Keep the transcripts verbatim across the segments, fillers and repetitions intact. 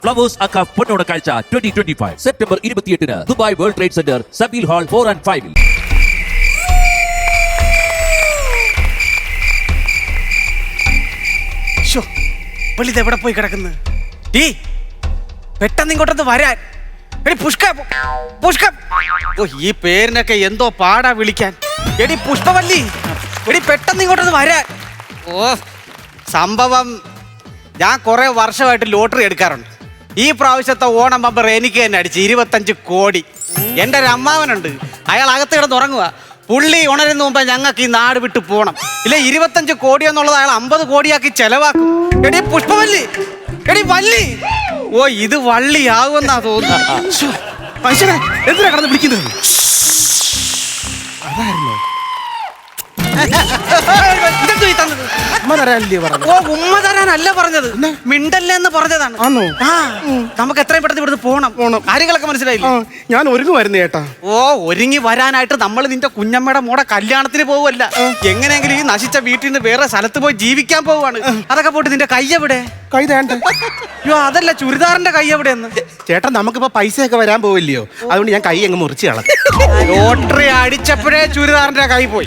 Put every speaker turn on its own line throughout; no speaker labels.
Flowers അക്ക പൊന്നോണ കാഴ്ച ട്വന്റി ട്വന്റി ഫൈവ് സെപ്റ്റംബർ ഇരുപത്തിയെട്ടിന് Dubai World Trade Centre Zabeel Hall four and ഫൈവിൽ.
എവിടെ പോയി കിടക്കുന്നത്? ഈ പെട്ടെന്ന് ഇങ്ങോട്ടൊന്ന് വരാൻ. എടി പുഷ്ക പുഷ്ക ഓ ഈ പേരിനൊക്കെ എന്തോ പാടാ വിളിക്കാൻ. എടി പുഷ്പവല്ലി, എടി പെട്ടെന്ന് ഇങ്ങോട്ടൊന്ന് വരാൻ. ഓ സംഭവം ഞാൻ കുറെ വർഷമായിട്ട് ലോട്ടറി എടുക്കാറുണ്ട്. ഈ പ്രാവശ്യത്തെ ഓണം ബമ്പർ എനിക്ക് തന്നെ അടിച്ച് ഇരുപത്തഞ്ച് കോടി. എൻ്റെ ഒരു അമ്മാവനുണ്ട്, അയാൾ അകത്ത് കിടന്ന് ഉറങ്ങുക. പുള്ളി ഉണരുന്ന മുമ്പ് ഞങ്ങൾക്ക് ഈ നാട് വിട്ട് പോകണം. ഇല്ല ഇരുപത്തഞ്ച് കോടി എന്നുള്ളത് അയാൾ അമ്പത് കോടിയാക്കി ചെലവാക്കും. എടി പുഷ്പവല്ലി, എടി വല്ലി. ഓ ഇത് വള്ളിയാകുമെന്നാ തോന്നുന്നു. മനുഷ്യനെ എന്തിനാ കിടന്ന് വിളിക്കുന്നത്? അതായിരുന്നോ? ഓ ഉമ്മ തരാനല്ല പറഞ്ഞത്, മിണ്ടല്ലേ എന്ന് പറഞ്ഞതാണ്. ആ നമുക്ക് എത്രയും പെട്ടെന്ന് ഇവിടുന്ന് പോണം. കാര്യങ്ങളൊക്കെ മനസ്സിലായില്ലേ?
ഞാൻ ഒരുങ്ങുമായിരുന്നു ചേട്ടാ.
ഓ ഒരുങ്ങി വരാനായിട്ട് നമ്മൾ നിന്റെ കുഞ്ഞമ്മയുടെ മോടെ കല്യാണത്തിന് പോവല്ല, എങ്ങനെയെങ്കിലും ഈ നശിച്ച വീട്ടിൽ നിന്ന് വേറെ സ്ഥലത്ത് പോയി ജീവിക്കാൻ പോവാണ്. അതൊക്കെ പോയിട്ട് നിന്റെ കൈ എവിടെ?
കൈ തേണ്ട.
അയ്യോ അതല്ല, ചുരിദാറിന്റെ കൈ എവിടെയെന്ന്.
ചേട്ടാ നമുക്കിപ്പോ പൈസയൊക്കെ വരാൻ പോവില്ലയോ, അതുകൊണ്ട് ഞാൻ കൈ അങ്ങ് മുറിച്ച് കളഞ്ഞു.
ലോട്ടറി അടിച്ചപ്പോഴേ ചുരിദാറിന്റെ കൈ പോയി.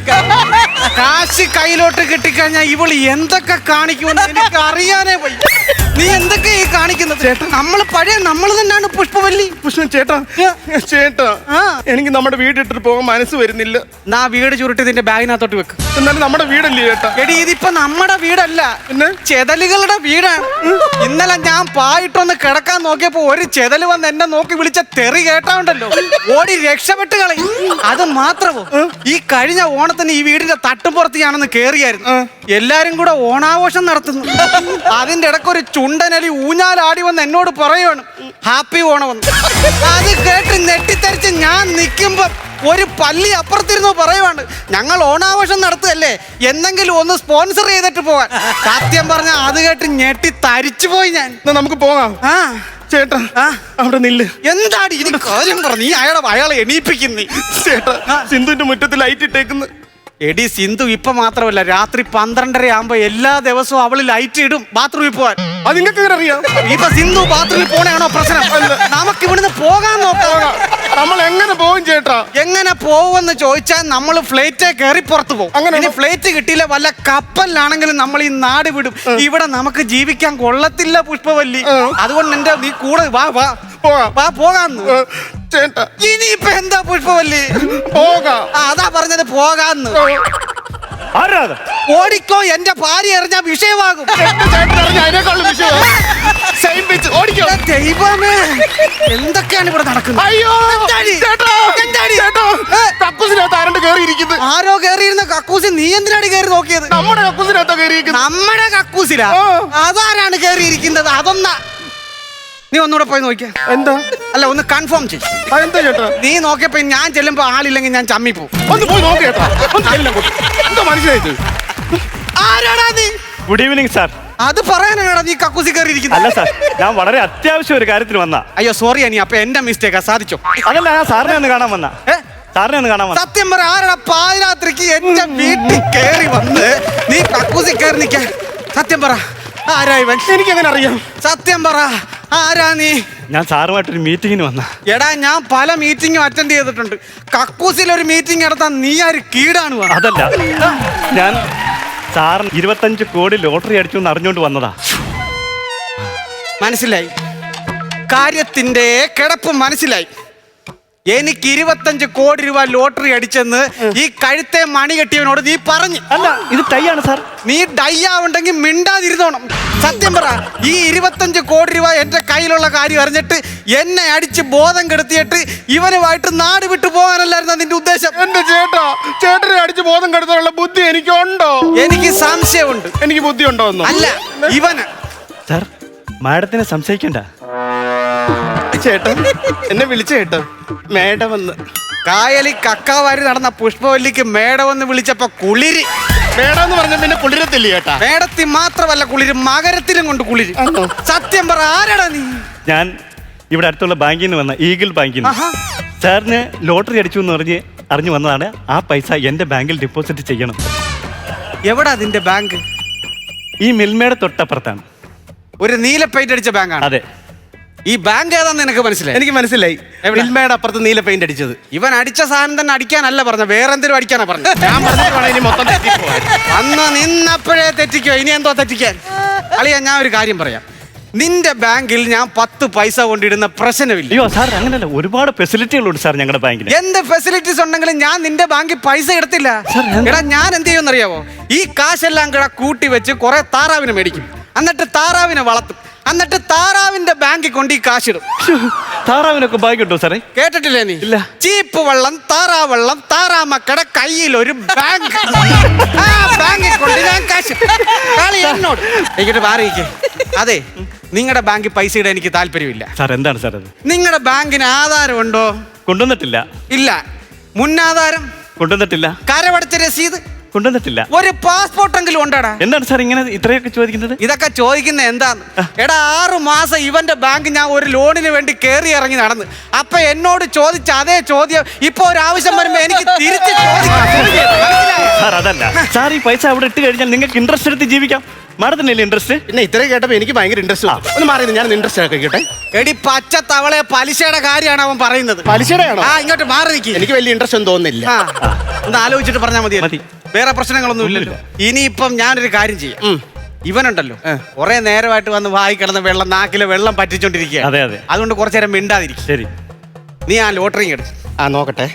കാശ് കയ്യിലോട്ട് കിട്ടിക്കഴിഞ്ഞാൽ ഇവള് എന്തൊക്കെ കാണിക്കുമെന്ന് എനിക്ക് അറിയാനേ പോയി. നീ എന്തൊക്കെ ഈ കാണിക്കുന്നത്? ചേട്ടാ നമ്മള് പഴയ നമ്മൾ തന്നെയാണ് പുഷ്പവല്ലി.
പുഷ്പ ചേട്ടാ ചേട്ടാ എനിക്ക് നമ്മുടെ വീടിട്ടിട്ട് പോകാൻ മനസ്സ് വരുന്നില്ല.
നാ വീട് ചുരുട്ടി നിന്റെ ബാഗിനകത്തോട്ട് വെക്ക്.
എന്നാലും നമ്മുടെ വീടല്ലേ ചേട്ടാ?
എടി ഇതിപ്പോ നമ്മുടെ വീടല്ല, പിന്നെ ചെതലുകളുടെ വീടാണ്. ഇന്നലെ ഞാൻ പായിട്ടൊന്ന് കിടക്കാൻ നോക്കിയപ്പോ ഒരു ചെതല് വന്ന് എന്നെ നോക്കി വിളിച്ച തെറി കേട്ടാണ്ടല്ലോ, ഓടി രക്ഷപ്പെട്ട് കളയും. അത് മാത്രമോ, ഈ കഴിഞ്ഞ ഓണത്തിന് ഈ വീടിന്റെ തട്ടുപുറത്ത് ഞാനൊന്ന് കേറിയായിരുന്നു. എല്ലാരും കൂടെ ഓണാഘോഷം നടത്തുന്നു. അതിന്റെ ഇടയ്ക്ക് ഒരു ചുണ്ടനലി ഊഞ്ഞാലാടി വന്ന് എന്നോട് പറയുവാണ് ഹാപ്പി ഓണം വന്ന്. അത് കേട്ട് നെട്ടിത്തരിച്ച് ഞാൻ നിൽക്കുമ്പോ ഒരു പല്ലി അപ്പുറത്തിരുന്നു പറയുവാണ് ഞങ്ങൾ ഓണാഘോഷം നടത്തുകയല്ലേ, എന്തെങ്കിലും ഒന്ന് സ്പോൺസർ ചെയ്തിട്ട് പോകാൻ. സത്യം പറഞ്ഞ അത് കേട്ട് ഞെട്ടി തരിച്ചു പോയി ഞാൻ.
നമുക്ക് പോകാം.
ആ
ചേട്ടാ അവിടെ നില്ല്.
എന്താടി ഇതിന് കാര്യം പറഞ്ഞു? നീ അയാളെ അയാളെ എണീപ്പിക്കുന്നേ.
ചേട്ടാ സിന്ധുവിന്റെ മുറ്റത്ത് ലൈറ്റ് ഇട്ടേക്കുന്നു.
എടി സിന്ധു ഇപ്പൊ മാത്രമല്ല, രാത്രി പന്ത്രണ്ടര ആകുമ്പോ എല്ലാ ദിവസവും അവള് ലൈറ്റ് ഇടും ബാത്റൂമിൽ പോവാൻ.
അത് നിങ്ങൾക്ക് എങ്ങനെ അറിയാം?
ഇപ്പൊ സിന്ധു ബാത്റൂമിൽ പോണയാണോ പ്രശ്നം? നമുക്ക് ഇവിടുന്ന് പോകാൻ നോക്കാം.
നമ്മൾ എങ്ങനെ പോകും ചേട്ടാ?
എങ്ങനെ പോകുമെന്ന് ചോദിച്ചാൽ നമ്മൾ ഫ്ലൈറ്റ് കയറി പുറത്തു പോകും. അങ്ങനെ ഫ്ലൈറ്റ് കിട്ടിയില്ല വല്ല കപ്പലിലാണെങ്കിലും നമ്മൾ ഈ നാട് വിടും. ഇവിടെ നമുക്ക് ജീവിക്കാൻ കൊള്ളത്തില്ല പുഷ്പവല്ലി. അതുകൊണ്ട് എന്റെ നീ കൂടെ വാ വാ വാ പോകാന്ന്.
ചേട്ടാ
ഇനിയിപ്പൊ എന്താ പുഷ്പവല്ലി?
പോകാം.
അതാ പറഞ്ഞത് പോകാന്ന്. ഓടിക്കോ, എന്റെ ഭാര്യ എറിഞ്ഞ വിഷയമാകും. ദൈവമേ എന്തൊക്കെയാണ് ഇവിടെ നടക്കുന്നത്?
അയ്യോ
ആരോ കേറിയിരുന്ന കക്കൂസി നീ എന്തിനാണ് കയറി നോക്കിയത്?
നമ്മുടെ കക്കൂസിനകത്താ കയറിയിരിക്കുന്നത്.
നമ്മുടെ കക്കൂസിലാ? അതാരാണ് കേറിയിരിക്കുന്നത്? അതൊന്നാ നീ ഒന്നുകൂടെ പോയി നോക്കിയ.
എന്താ?
അല്ല ഒന്ന് കൺഫേം ചെയ്യും.
എന്താ ചേട്ടാ?
നീ നോക്കിയപ്പോ ഞാൻ ചെല്ലുമ്പോ ആളില്ലെങ്കിൽ ഞാൻ ചമ്മി പോകും.
ഒന്ന് പോയി നോക്കിയേട്ടാ. എന്താ മനസ്സിലായത്?
ആരാടാ നീ?
Good evening sir.
അത് പറയാനാണ് നീ കക്കൂസി കയറിയിരിക്കുന്നത്?
അല്ല സാർ, ഞാൻ വളരെ അത്യാവശ്യം ഒരു കാര്യത്തിന് വന്ന.
അയ്യോ സോറി അനി, അപ്പൊ എന്റെ മിസ്റ്റേക്കാ. സാധിച്ചോ?
അതല്ല, ഞാൻ സാറിനെ ഒന്ന് കാണാൻ വന്ന. സാറിനെ ഒന്ന് കാണാൻ വന്ന.
സത്യം പറ, ആരാടാ പാതിരാത്രിക്ക് എന്റെ വീട്ടിൽ കയറി വന്ന് നീ കക്കൂസി കയറി നിൽക്കാൻ? സത്യം പറ, ആരാ ഇവൻ?
എനിക്ക് എങ്ങനെ അറിയാം?
സത്യം പറ, ആരാ നീ?
ഞാൻ സാറുമായിട്ടൊരു മീറ്റിങ്ങിന് വന്ന.
എടാ ഞാൻ പല മീറ്റിംഗും അറ്റൻഡ് ചെയ്തിട്ടുണ്ട്. കക്കൂസിൽ ഒരു മീറ്റിംഗ് നടത്താൻ നീ ആര് കീടാണ്?
അതല്ല, ഞാൻ സാറിന് ഇരുപത്തഞ്ച് കോടി ലോട്ടറി അടിച്ചു എന്ന് അറിഞ്ഞുകൊണ്ട് വന്നതാ.
മനസ്സിലായി, കാര്യത്തിന്റെ കിടപ്പ് മനസ്സിലായി. എനിക്ക് ഇരുപത്തഞ്ച് കോടി രൂപ ലോട്ടറി അടിച്ചെന്ന് ഈ കഴുത്തെ മണി കെട്ടിയവനോട് നീ പറഞ്ഞു.
അല്ല, ഇത് ടൈ ആണ് സാർ.
നീ ഡൈ ആവുണ്ടെങ്കിൽ മിണ്ടാതിരുന്നോണം. സത്യം പറ, ഈ ഇരുപത്തഞ്ച് കോടി രൂപ എന്റെ കയ്യിലുള്ള കാര്യം അറിഞ്ഞിട്ട് എന്നെ അടിച്ച് ബോധം കെടുത്തിയിട്ട് ഇവനുമായിട്ട് നാട് വിട്ടു പോകാനല്ലായിരുന്നു നിന്റെ ഉദ്ദേശം?
എന്റെ ചേട്ടാ, ചേട്ടനെ അടിച്ച് ബോധം കെടുത്താനുള്ള ബുദ്ധി എനിക്കുണ്ടോ?
എനിക്ക് സംശയമുണ്ട്.
എനിക്ക് ബുദ്ധി ഉണ്ടോ?
അല്ല ഇവന്.
സാർ, മാഡത്തിനെ സംശയിക്കണ്ട.
ചേട്ടൻ എന്നെ വിളിച്ച ചേട്ടാ മേഡം വന്ന്.
കായലി കക്കാവാരി നടന്ന പുഷ്പവല്ലിക്ക് മേടമെന്ന് വിളിച്ചപ്പോ കുളിര്.
മേഡം എന്ന് പറഞ്ഞ പിന്നെ കുളിരത്തില്ല ചേട്ടാ.
മേടത്തിൽ മാത്രമല്ല കുളിര്, മകരത്തിലും കൊണ്ട് കുളിര്. സത്യം പറ, ആരാടാ നീ?
ഞാൻ ഇവിടെ അടുത്തുള്ള ബാങ്കിൽ നിന്ന് വന്ന, ഈഗിൾ ബാങ്കിൽ നിന്ന്. സാറിന് ലോട്ടറി അടിച്ചു എന്ന് പറഞ്ഞ് അറിഞ്ഞു വന്നതാണ്. ആ പൈസ എന്റെ ബാങ്കിൽ ഡെപ്പോസിറ്റ് ചെയ്യണം.
എവിടാ അതിന്റെ ബാങ്ക്?
ഈ മിൽമയുടെ തൊട്ടപ്പുറത്താണ്.
ഒരു നീല പെയിന്റ് അടിച്ച ബാങ്കാണ്?
അതെ.
ഈ ബാങ്ക് ഏതാന്ന് നിനക്ക് മനസ്സിലായി?
എനിക്ക് മനസ്സിലായി.
എവിടെ?
വിൽമയുടെ അപ്പുറത്ത് നീല പെയിന്റ് അടിച്ചത്.
ഇവൻ അടിച്ച സാധനം തന്നെ അടിക്കാനല്ല പറഞ്ഞ, വേറെ എന്തെങ്കിലും അടിക്കാനാ പറഞ്ഞ.
ഞാൻ പറഞ്ഞിട്ട് വേണം ഇനി മൊത്തം തെറ്റിപ്പോവാൻ.
അന്ന് നിന്നപ്പോഴേ തെറ്റിക്കോ, ഇനി എന്തോ തെറ്റിക്കാൻ? അളിയാ, ഞാൻ ഒരു കാര്യം പറയാം. നിന്റെ ബാങ്കിൽ ഞാൻ പത്ത് പൈസ കൊണ്ടിടുന്ന പ്രശ്നമില്ല.
അയ്യോ സാർ, അങ്ങനെയല്ല, ഒരുപാട് ഫെസിലിറ്റികളുണ്ട് സാർ ഞങ്ങളുടെ ബാങ്കിന്.
എന്ത് ഫെസിലിറ്റീസ് ഉണ്ടെങ്കിലും ഞാൻ നിന്റെ ബാങ്കിൽ പൈസ എടുത്തില്ല. എടാ, ഞാൻ എന്ത് ചെയ്യുമെന്നറിയാവോ? ഈ കാശെല്ലാം കൂടെ കൂട്ടി വെച്ച് കുറെ താറാവിനെ മേടിക്കും, എന്നിട്ട് താറാവിനെ വളർത്തും, എന്നിട്ട് താറാവിന്റെ ബാങ്കിൽ കൊണ്ട് ഈ കാശിടും.
താറാവിനൊക്കെ ബാങ്ക് ഉണ്ടോ സാറേ?
കേട്ടിട്ടില്ലേ നീ?
ഇല്ല.
ചീപ്പ് വെള്ളം, താറാവെള്ളം, താറാമക്കടെ കയ്യിൽ ഒരു ബാങ്ക്. ആ ബാങ്കിൽ കൊണ്ട് ഞാൻ കാശ് കളി എന്നോട് എനിക്കിട്ട് മാറിയിക്കേ. അതെ, നിങ്ങളുടെ ബാങ്കിൽ പൈസ ഇടാൻ എനിക്ക് താല്പര്യമില്ല.
സാർ എന്താണ് സാർ അത്?
നിങ്ങളുടെ ബാങ്കിന് ആധാരം ഉണ്ടോ?
കൊണ്ടുവന്നിട്ടില്ല.
ഇല്ല. മുന്നാധാരം?
കൊണ്ടുവന്നിട്ടില്ല.
കരമടച്ച രസീത്?
കൊണ്ടുവന്നിട്ടില്ല.
ഒരു പാസ്പോർട്ടെങ്കിലും ഉണ്ടാടാ?
എന്താണ് സാർ ഇങ്ങനെ ഇത്രയൊക്കെ ചോദിക്കുന്നത്?
ഇതൊക്കെ ചോദിക്കുന്ന എന്താന്ന്? എടാ, ആറു മാസം ഇവന്റെ ബാങ്ക് ഞാൻ ഒരു ലോണിന് വേണ്ടി കയറി ഇറങ്ങി നടന്ന്, അപ്പൊ എന്നോട് ചോദിച്ച അതേ ചോദ്യം ഇപ്പൊ ഒരു ആവശ്യം വരുമ്പോ എനിക്ക് തിരിച്ച് ചോദിക്കാം.
സാർ അതല്ല സാർ, ഈ പൈസ അവിടെ ഇട്ട് കഴിഞ്ഞാൽ നിങ്ങൾക്ക് ഇൻട്രസ്റ്റ് എടുത്ത് ജീവിക്കാം. മാഡത്തിനല്ലേ ഇൻട്രസ്റ്റ്?
പിന്നെ ഇത്രയും കേട്ടപ്പോ എനിക്ക് ഭയങ്കര ഇൻട്രസ്റ്റ്. ഒന്ന് മാറി, ഞാൻ ഇൻട്രസ്റ്റ് ആക്കിട്ടെ.
എടി പച്ച തവളെ, പലിശയുടെ കാര്യമാണ് അവൻ പറയുന്നത്.
പലിശയുടെ ആണോ?
ആ, ഇങ്ങോട്ട് മാറി നിൽക്കി.
എനിക്ക് വലിയ ഇൻട്രസ്റ്റ് ഒന്നും തോന്നുന്നില്ല.
ആ, ഒന്ന് ആലോചിച്ചിട്ട് പറഞ്ഞാൽ മതി.
മതി.
വേറെ പ്രശ്നങ്ങളൊന്നും ഇല്ലല്ലോ. ഇനിയിപ്പം ഞാനൊരു കാര്യം ചെയ്യാം. ഇവനുണ്ടല്ലോ, കുറെ നേരമായിട്ട് വന്ന് വായി കിടന്ന വെള്ളം, നാക്കിലെ വെള്ളം പറ്റിച്ചോണ്ടിരിക്കുക.
അതെ അതെ.
അതുകൊണ്ട് കുറച്ചു നേരം മിണ്ടാതിരിക്കും.
ശരി.
നീ ആ ലോട്ടറി എടുത്ത്.
ആ, നോക്കട്ടെ.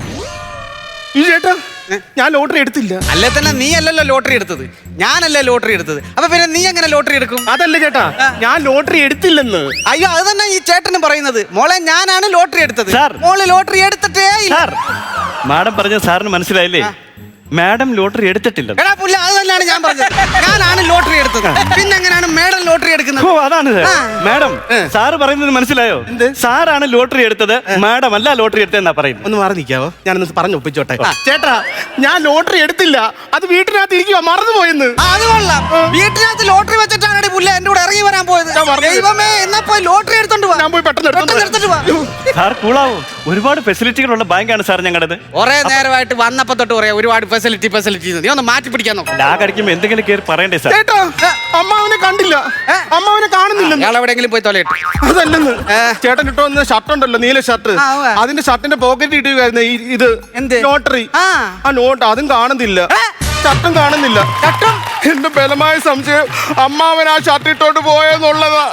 ഈ ചേട്ടാ, ഞാൻ ലോട്ടറി എടുത്തില്ല.
അല്ലേ തന്നെ നീ അല്ലല്ലോ ലോട്ടറി എടുത്തത്, ഞാനല്ലേ ലോട്ടറി എടുത്തത്. അപ്പൊ പിന്നെ നീ എങ്ങനെ ലോട്ടറി എടുക്കും?
അതല്ല ചേട്ടാ, ഞാൻ ലോട്ടറി എടുത്തില്ലെന്ന്.
അയ്യോ, അത് തന്നെ ഈ ചേട്ടനും പറയുന്നത്. മോളെ, ഞാനാണ് ലോട്ടറി എടുത്തത്.
സാർ.
മോള് ലോട്ടറി എടുത്തിട്ടേ ഇല്ല.
സാർ, മാഡം പറഞ്ഞ സാറിന് മനസ്സിലായില്ലേ? മാഡം ലോട്ടറി എടുത്തിട്ടില്ല.
എടാ പുല്ല, അത് തന്നെയാണ് ഞാൻ പറഞ്ഞത്. ഞാനാണ് ലോട്ടറി എടുത്തത്. പിന്നെ എങ്ങനെയാണ് മേഡം ലോട്ടറി എടുക്കുന്നത്?
ഓ, അതാണ് സാർ. മാഡം, സാറ് പറയുന്നത് മനസ്സിലായോ? സാറാണ് ലോട്ടറി എടുത്തത്, മാഡം അല്ല ലോട്ടറി എടുത്തതെന്നാ പറയുന്നത്.
ഒന്ന് മാറി നിൽക്കാവോ? ഞാനൊന്ന് പറഞ്ഞു ഒപ്പിച്ചോട്ടെ. ചേട്ടാ, ഞാൻ ലോട്ടറി എടുത്തില്ല, അത് വീട്ടിനകത്ത് ഇരിക്കുക, മറന്നുപോയെന്ന്.
ആ, അത് കൊള്ളാം. വീട്ടിനകത്ത് ലോട്ടറി വെച്ചിട്ടാണ് പുല്ല എന്റെ കൂടെ ഇറങ്ങി വരാൻ പോയത്.
ഞാൻ മറന്നു.
ദൈവമേ, എന്നാ പോയി ലോട്ടറി എടുത്തോണ്ട് വാ.
ഞാൻ പോയി പെട്ടെന്ന് എടുത്തോണ്ട്
എടുത്തിട്ട് വാ.
സാർ കൂളാവും. ഒരുപാട് ഫെസിലിറ്റികളുള്ള ബാങ്കാണ് സാർ ഞങ്ങളുടേത്.
കുറെ നേരമായിട്ട് വന്നപ്പോ തൊട്ട് പറയാ ഒരുപാട് ഫെസിലിറ്റി ഫെസിലിറ്റി. നീ ഒന്ന് മാറ്റി പിടിക്കാൻ നോക്കാം.
ലാഗ് അടിക്കുമ്പോ എന്തെങ്കിലും കയറി പറയണ്ടേ സാർ?
ചേട്ടാ, അമ്മാവനെ കണ്ടില്ല, അമ്മാവനെ കാണുന്നില്ല.
അയാൾ എവിടെയെങ്കിലും പോയി തൊലയിട്ട്.
അതല്ലെന്ന്, ചേട്ടൻ ഇട്ടോ വന്ന ഷർട്ട് ഉണ്ടല്ലോ, നീല ഷർട്ട്,
ആ, ഉവ്വ.
അതിന്റെ ഷർട്ടിന്റെ പോക്കറ്റ് ഇട്ടുകയായിരുന്നു ഇത്
എന്ത്?
ലോട്ടറി.
ആ.
ആ നോട്ട് അതും കാണുന്നില്ല, ഷർട്ടും കാണുന്നില്ല.
ചട്ടും
എന്റെ ബലമായ സംശയം അമ്മാവൻ ആ ഷർട്ട് ഇട്ടോണ്ട് പോയെന്നുള്ളതാ.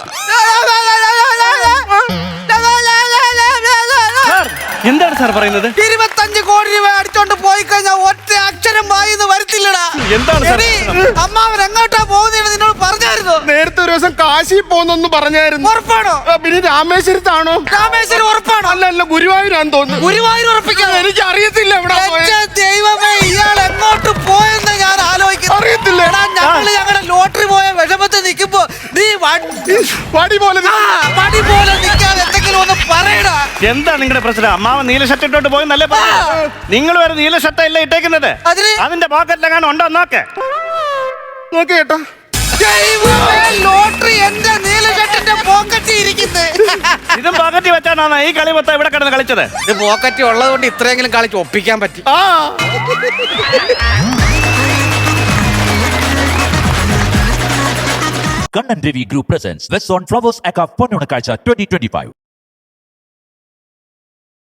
സാർ, എന്താണ് സാർ പറയുന്നത്?
ഇരുപത്തഞ്ച് കോടി രൂപ അടിച്ചോണ്ട് പോയി കഴിഞ്ഞാൽ ഒറ്റ അക്ഷരം വായിന്ന് വരത്തില്ലടാ.
എന്താണ് സാർ?
എടീ, അമ്മാവൻ എങ്ങോട്ടാ പോകുന്നതെന്ന് നിന്നോട് പറഞ്ഞായിരുന്നോ?
നേരത്തെ ഒരു ദിവസം കാശി പോന്നൊന്ന് പറഞ്ഞായിരുന്നു.
ഉറപ്പാണോ?
ആ, പിന്നെ രാമേശ്വരത്താണോ?
രാമേശ്വരം ഉറപ്പാണോ?
അല്ല അല്ല, ഗുരുവായൂരാന്ന് തോന്നുന്നു.
ഗുരുവായൂർ ഉറപ്പിക്കാതെ
എനിക്ക് അറിയത്തില്ല എവിടെ
എന്റെ ദൈവമേ, ഇയാൾ എങ്ങോട്ട് പോയെന്ന് ഞാൻ ആലോചിക്കുന്നു.
അറിയത്തില്ല.
എടാ, ഞങ്ങള് ഞങ്ങളുടെ ലോട്ടറി പോയ വിഷമത്തിൽ നിൽക്കുമ്പോ നീ വണ്ടി
വടി പോലെ
ആ, വടി പോലെ നിൽക്കാതെ എന്തെങ്കിലും ഒന്ന് പറയടാ.
എന്താ നിങ്ങളുടെ പ്രശ്നം? അമ്മാവൻ നീല ഷർട്ട് ഇട്ടോട്ട് പോയെന്നല്ലേ പറഞ്ഞത്? നിങ്ങൾ വരെ നീല ഷർട്ട് അല്ല ഇട്ടേക്കുന്നത്.
അതിന്
അതിന്റെ പോക്കറ്റിലെങ്ങാനും ഉണ്ടോ നോക്കേ.
നോക്കി ചേട്ടാ.
ദൈവമേ, ലോട്ടറി എന്റെ നീല ഷർട്ടിന്റെ പോക്കറ്റിൽ ഇരിക്കുന്നത്.
ഇതും പോക്കറ്റിൽ വെച്ചാണോ ഈ കളി മൊത്തം ഇവിടെ കിടന്ന് കളിച്ചത്?
ഇത് പോക്കറ്റ് ഉള്ളത് കൊണ്ട് ഇത്രയെങ്കിലും കളിച്ച് ഒപ്പിക്കാൻ പറ്റി.
ആ
Kannan Devi Group presents West on Flowers Aka Ponnonakazha twenty twenty-five.